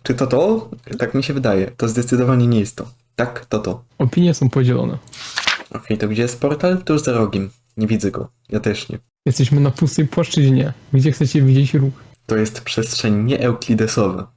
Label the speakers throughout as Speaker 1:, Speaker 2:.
Speaker 1: Czy to to? Tak mi się wydaje. To zdecydowanie nie jest to. Tak, to.
Speaker 2: Opinie są podzielone.
Speaker 1: Okej, to gdzie jest portal? Tuż za rogiem. Nie widzę go. Ja też nie.
Speaker 2: Jesteśmy na pustej płaszczyźnie. Gdzie chcecie widzieć ruch?
Speaker 1: To jest przestrzeń nieeuklidesowa.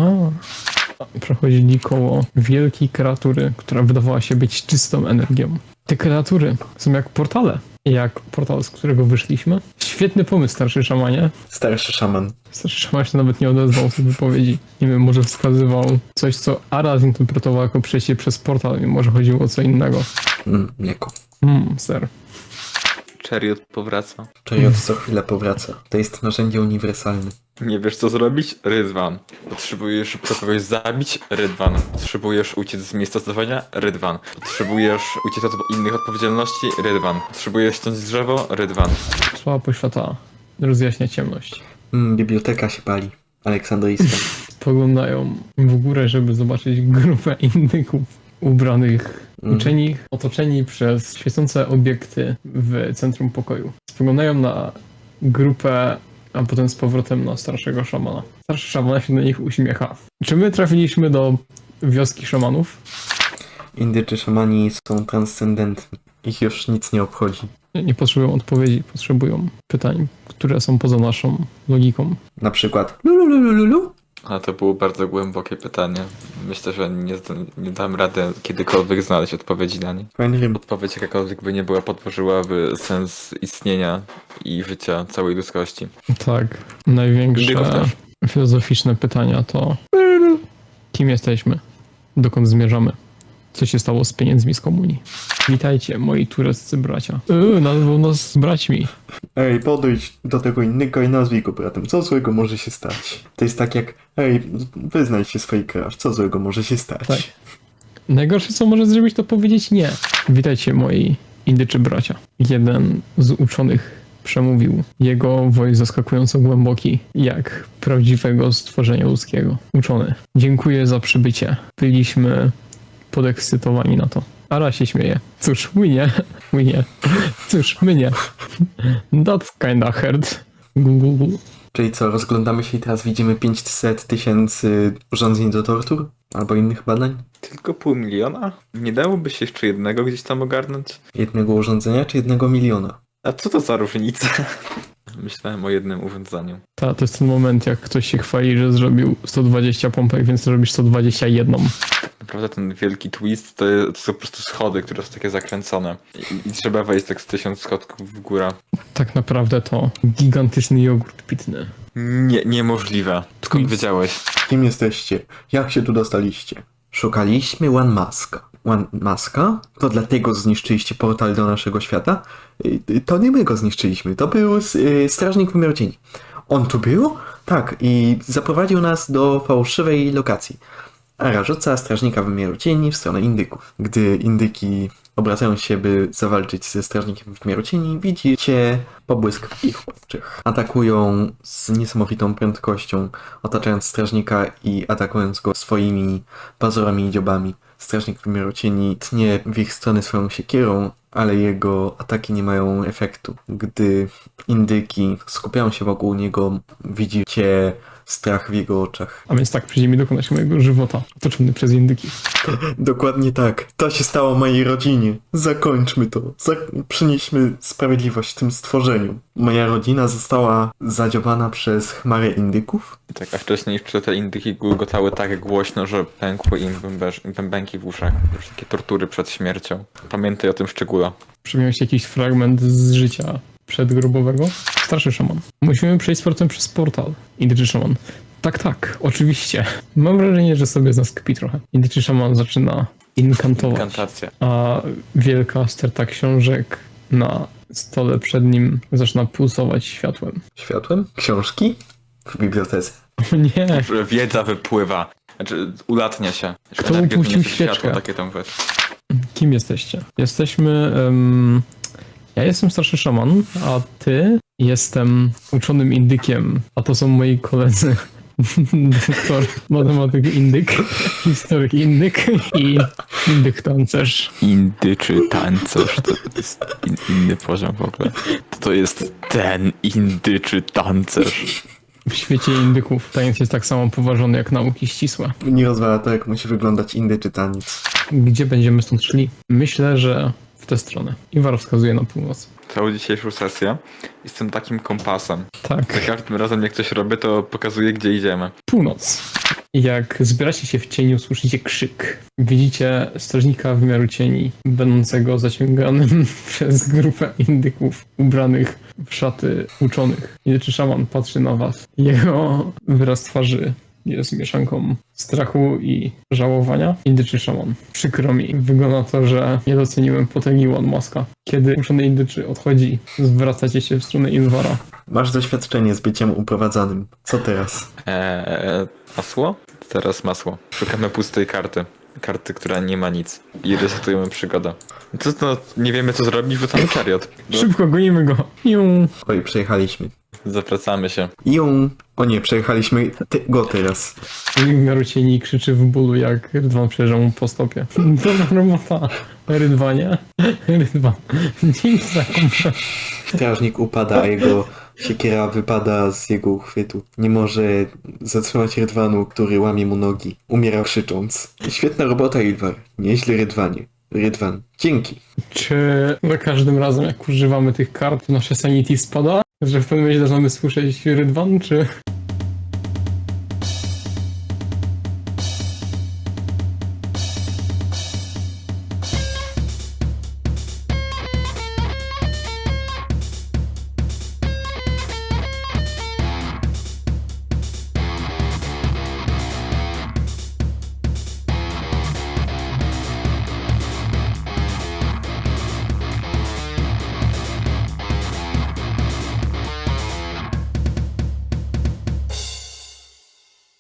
Speaker 2: Przechodzili koło wielkiej kreatury, która wydawała się być czystą energią. Te kreatury są jak portale. Jak portal, z którego wyszliśmy. Świetny pomysł, starszy szamanie.
Speaker 1: Starszy szaman.
Speaker 2: Starszy szaman się nawet nie odezwał w tej wypowiedzi. Nie wiem, może wskazywał coś, co Ara zinterpretował jako przejście przez portal, może chodziło o co innego.
Speaker 1: Mleko.
Speaker 2: Ser.
Speaker 3: Chariot powraca.
Speaker 1: Chariot co chwilę powraca. To jest narzędzie uniwersalne.
Speaker 3: Nie wiesz co zrobić? Rydwan. Potrzebujesz szybko kogoś zabić? Rydwan. Potrzebujesz uciec z miejsca zdarzenia? Rydwan. Potrzebujesz uciec od innych odpowiedzialności? Rydwan. Potrzebujesz ściąć drzewo? Rydwan.
Speaker 2: Słaba poświata rozjaśnia ciemność.
Speaker 1: Biblioteka się pali. Aleksandryjska.
Speaker 2: Spoglądają w górę, żeby zobaczyć grupę indyków ubranych uczeni, otoczeni przez świecące obiekty w centrum pokoju. Spoglądają na grupę, a potem z powrotem na starszego szamana. Starszy szaman się do nich uśmiecha. Czy my trafiliśmy do wioski szamanów?
Speaker 1: Indyczy szamani są transcendentni. Ich już nic nie obchodzi.
Speaker 2: Nie potrzebują odpowiedzi, potrzebują pytań, które są poza naszą logiką.
Speaker 1: Na przykład lululululu.
Speaker 3: A to było bardzo głębokie pytanie. Myślę, że nie dam rady kiedykolwiek znaleźć odpowiedzi na nie.
Speaker 1: Fajny rym.
Speaker 3: Odpowiedź jakakolwiek by nie była, podważyłaby sens istnienia i życia całej ludzkości.
Speaker 2: Tak,
Speaker 3: Indyków
Speaker 2: największe
Speaker 3: też.
Speaker 2: filozoficzne pytania to kim jesteśmy? Dokąd zmierzamy? Co się stało z pieniędzmi z komunii? Witajcie, moi tureccy bracia. Nazwał nas braćmi.
Speaker 1: Ej, podejdź do tego innego i nazwij go bratem. Co złego może się stać? To jest tak jak, wyznaj się swojej crush. Co złego może się stać?
Speaker 2: Tak. Najgorsze, co może zrobić, to powiedzieć nie. Witajcie, moi indyczy bracia. Jeden z uczonych przemówił. Jego voice zaskakująco głęboki, jak prawdziwego stworzenia ludzkiego. Uczony. Dziękuję za przybycie. Byliśmy podekscytowani na to. Ara się śmieje. Cóż, my nie. Cóż, my nie. That's kinda hurt. Google.
Speaker 1: Czyli co, rozglądamy się i teraz widzimy 500 000 urządzeń do tortur? Albo innych badań?
Speaker 3: Tylko 500 000? Nie dałoby się jeszcze jednego gdzieś tam ogarnąć?
Speaker 1: Jednego urządzenia czy 1 miliona?
Speaker 3: A co to za różnica? Myślałem o jednym urządzeniu.
Speaker 2: To jest ten moment, jak ktoś się chwali, że zrobił 120 pompek, więc zrobisz 121.
Speaker 3: Naprawdę ten wielki twist to są po prostu schody, które są takie zakręcone. I trzeba wejść tak z 1000 schodków w górę.
Speaker 2: Tak naprawdę to gigantyczny jogurt pitny.
Speaker 3: Niemożliwe. Skąd wiedziałeś?
Speaker 1: Kim jesteście? Jak się tu dostaliście? Szukaliśmy One Maska. One Maska? To dlatego zniszczyliście portal do naszego świata? To nie my go zniszczyliśmy, to był strażnik wymiaru cieni. On tu był? Tak, i zaprowadził nas do fałszywej lokacji. Ara rzuca strażnika wymiaru cieni w stronę indyków. Gdy indyki obracają się, by zawalczyć ze strażnikiem wymiaru cieni, widzicie pobłysk w ich oczach. Atakują z niesamowitą prędkością, otaczając strażnika i atakując go swoimi pazurami i dziobami. Strażnik wymiaru cieni tnie w ich stronę swoją siekierą, ale jego ataki nie mają efektu. Gdy indyki skupiają się wokół niego, widzicie strach w jego oczach.
Speaker 2: A więc tak, przyjdzie mi dokonać mojego żywota, otoczony przez indyki.
Speaker 1: Dokładnie tak. To się stało mojej rodzinie. Zakończmy to. Przynieśmy sprawiedliwość tym stworzeniom. Moja rodzina została zadziobana przez chmarę indyków.
Speaker 3: Tak, a wcześniej jeszcze te indyki gulgotały tak głośno, że pękły im bębenki w uszach. Już takie tortury przed śmiercią. Pamiętaj o tym szczególe.
Speaker 2: Przypomniał się jakiś fragment z życia przedgrobowego. Starszy szaman. Musimy przejść z portem przez portal. Indyczy szaman. Tak, oczywiście. Mam wrażenie, że sobie z nas kpi trochę. Indyczy szaman zaczyna inkantować.
Speaker 3: Inkantacja.
Speaker 2: A wielka sterta książek na stole przed nim zaczyna pulsować światłem.
Speaker 1: Światłem? Książki? W bibliotece.
Speaker 2: O nie!
Speaker 3: Że wiedza wypływa. Znaczy, ulatnia się. Że
Speaker 2: Kto
Speaker 3: energia
Speaker 2: upuścił
Speaker 3: niesie
Speaker 2: świeczkę?
Speaker 3: światło, takie tam wiesz.
Speaker 2: Kim jesteście? Jesteśmy... ja jestem starszy szaman, a ty jestem uczonym indykiem, a to są moi koledzy. Doktor, matematyk indyk, historyk indyk i indyk tancerz.
Speaker 3: Indyczy tancerz to jest inny poziom w ogóle. To jest ten indyczy tancerz.
Speaker 2: W świecie indyków tajemnic jest tak samo poważony jak nauki ścisłe.
Speaker 1: Nie rozwala to, jak musi wyglądać indyczy taniec.
Speaker 2: Gdzie będziemy stąd szli? Myślę, że w tę stronę. Iwar wskazuje na północ.
Speaker 3: Całą dzisiejszą sesję jestem takim kompasem. Za
Speaker 2: Tak,
Speaker 3: każdym razem jak coś robię, to pokazuję, gdzie idziemy.
Speaker 2: północ. Jak zbieracie się w cieniu, słyszycie krzyk. Widzicie strażnika wymiaru cieni, będącego zaciąganym przez grupę indyków ubranych w szaty uczonych. Indyczy szaman patrzy na was. Jego wyraz twarzy jest mieszanką strachu i żałowania. Indyczy szaman. Przykro mi. Wygląda na to, że nie doceniłem potęgi One Maska. Kiedy uczony indyczy odchodzi, zwracacie się w stronę Inwara.
Speaker 1: Masz doświadczenie z byciem uprowadzanym. Co teraz?
Speaker 3: Masło? Teraz masło. Szukamy pustej karty. Karty, która nie ma nic. I resetujemy przygodę. To nie wiemy co zrobić, wrzucamy chariot.
Speaker 2: Szybko, gonimy go. Iu.
Speaker 1: Oj, przejechaliśmy.
Speaker 3: Zapracamy się.
Speaker 1: Ją. O nie, przejechaliśmy go teraz.
Speaker 2: W miarę cieni krzyczy w bólu, jak Rydwan przejeżdża mu po stopie. Dobra robota, Rydwanie. Rydwan, dzięki za kompletę.
Speaker 1: Strażnik upada, a jego siekiera wypada z jego uchwytu. Nie może zatrzymać Rydwanu, który łamie mu nogi. Umiera krzycząc. Świetna robota, Ilwar. Nieźle, Rydwanie. Rydwan, dzięki.
Speaker 2: Czy za każdym razem, jak używamy tych kart, nasze sanity spada? Że w pewnym momencie zaczynamy słyszeć Rydwan, czy...